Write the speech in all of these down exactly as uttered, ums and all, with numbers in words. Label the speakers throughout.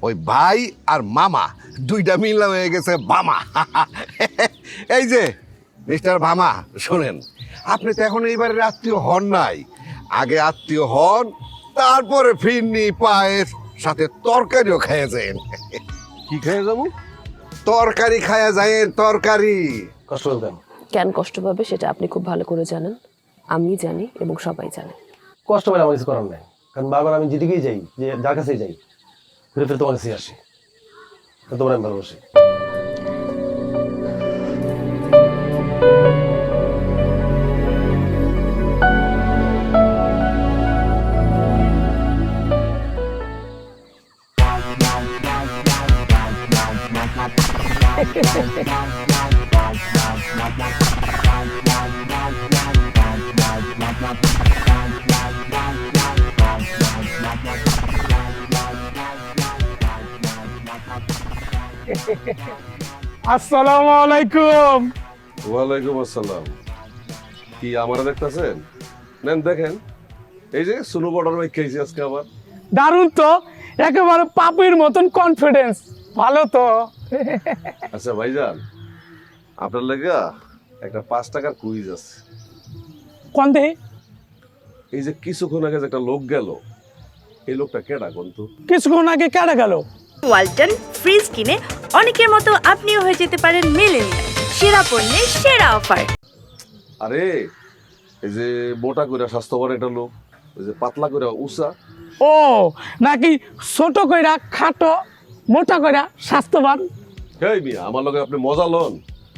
Speaker 1: ওই ভাই আর মামা দুইটা মিলা হয়ে গেছে বামা। এই যে মিস্টার ভামা, শোনেন, আপনি তো এখন এইবারের আত্মীয় হন নাই। আগে আত্মীয় হন, তারপরে ফিরনি পায়েস সাথে তরকারিও খেয়ে যান।
Speaker 2: কি খেয়ে যাবো?
Speaker 1: তরকারি খায়া যায়, তরকারি।
Speaker 2: কষ্ট দেন।
Speaker 3: কেন কষ্ট পাবে সেটা আপনি খুব ভালো করে জানেন, আমি জানি এবং সবাই জানে।
Speaker 2: কষ্ট পেলে আমার কিছু করার নাই, কারণ বারবার আমি যেদিকেই যাই, যে যার কাছেই যাই, ফিরে ফিরে তোমার কাছেই আসি। তোমার আমি ভালোবাসি।
Speaker 4: আসসালামু আলাইকুম।
Speaker 5: ওয়ালাইকুম আসসালাম। কি আমারা দেখতেছেন? নেন দেখেন, এই যে সুনু বর্ডার বাইক খেয়েছি আজকে আবার।
Speaker 4: দারুণ তো, একেবারে পাপির মতন কনফিডেন্স। ভালো তো।
Speaker 5: আচ্ছা ভাইজান, আপনার লেগা একটা পাঁচ টাকার কুইজ আছে।
Speaker 4: কোন দেহি?
Speaker 5: এই যে কিছুক্ষণ আগে যে একটা লোক গেল, এই লোকটা কেডা কোন তো?
Speaker 4: কিছুক্ষণ আগে কেটে গেল।
Speaker 6: ওয়ালটন ফ্রিজ কিনে অনেকের মতো আপনিও হয়ে যেতে পারেন মিলেনিয়াল। সেরা পণ্যের সেরা অফার।
Speaker 5: আরে এই যে মোটা করে স্বাস্থ্যবান একটা লোক, ওই যে পাতলা করে উষা।
Speaker 4: ও নাকি ছোট কইরা খাটো, মোটা কইরা স্বাস্থ্যবান?
Speaker 5: হেই মিয়া, আমার লগে আপনি মজা লন।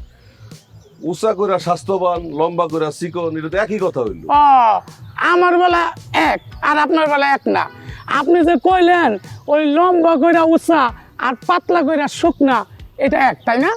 Speaker 5: উষা করে স্বাস্থ্যবান, লম্বা করে চিকন, এটা তো একই কথা হইল।
Speaker 4: ও আমার বেলা এক আর আপনার বেলা এক না। আপনি যে কইলেন ওই লম্বা কইরা উঁচা আর পাতলা কইরা শুকনা, এটা এক, তাই না?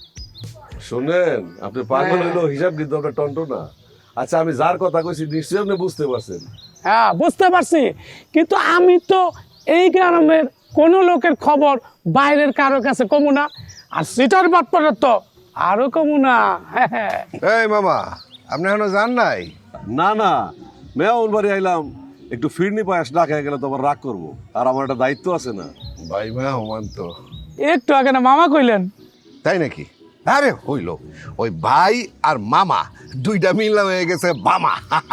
Speaker 5: শোনেন, আপনি পাগল হইলো হিসাব কিন্তু আপনার টন্টো না। আচ্ছা, আমি যার কথা কইছি নিশ্চয়ই আপনি বুঝতে পারছেন।
Speaker 4: হ্যাঁ বুঝতে পারছি, কিন্তু আমি তো এই গ্রামের কোনো লোকের খবর বাইরের কারো কাছে কমু না, আর সিটার বাটপাড়ার তো আরো কমু না।
Speaker 1: এই মামা, আপনি এখনো যান নাই?
Speaker 5: না না, মেয়ন বাড়ি আইলাম, একটু ফিরনি পায়াস না খেয়ে গেলে তো আবার রাগ করবো, আর আমার একটা দায়িত্ব আছে না।
Speaker 1: ভাই মেহমান তো।
Speaker 4: একটু আগে না মামা কইলেন।
Speaker 1: তাই নাকি? আরে হইল, ওই ভাই আর মামা দুইটা মিলা হয়ে গেছে বামা।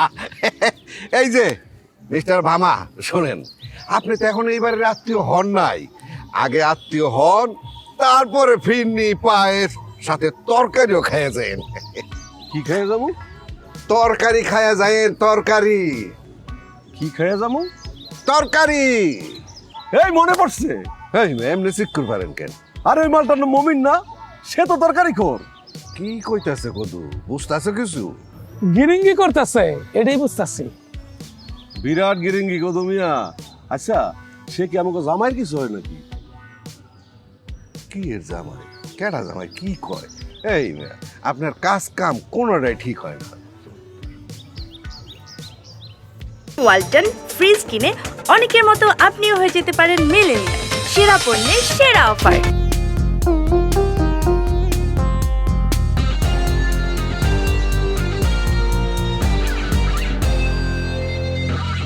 Speaker 1: এই যে মিস্টার ভামা, শোনেন, আপনি তো এখন এইবারের আত্মীয় হন নাই। আগে আত্মীয় হন, তারপরে ফিরনি পায়েস সাথে তরকারিও খেয়ে যান।
Speaker 5: কি খেয়ে যাবো?
Speaker 1: তরকারি খায়া যায়, তরকারি।
Speaker 5: কি খেয়ে যাবো?
Speaker 1: তরকারি।
Speaker 5: এই মনে পড়ছে,
Speaker 1: এই এমনি চিক্কুর পারেন কেন?
Speaker 5: আর ওই মালটার নাম মমিন না? সে তো তরকারি খোর।
Speaker 1: কি কইতাছে কদু, বুঝতেছে কিছু?
Speaker 4: গিরিঙ্গি করতেছে, এটাই বুঝতেছি।
Speaker 5: বিরাট গিরিঙ্গি গো মিয়া। আচ্ছা, সে কি আমাকে জামাইয়ের কিছু হয় নাকি?
Speaker 1: কি এর জামাই, কেডা জামাই, কি কয়? এই মেয়া, আপনার কাজ কাম কোনোটাই ঠিক হয় না।
Speaker 6: ওয়ালটন ফ্রিজ কিনে অনেকের মতো আপনিও হয়ে যেতে পারেন মিলেনিয়াল। সেরা পণ্যের সেরা অফার।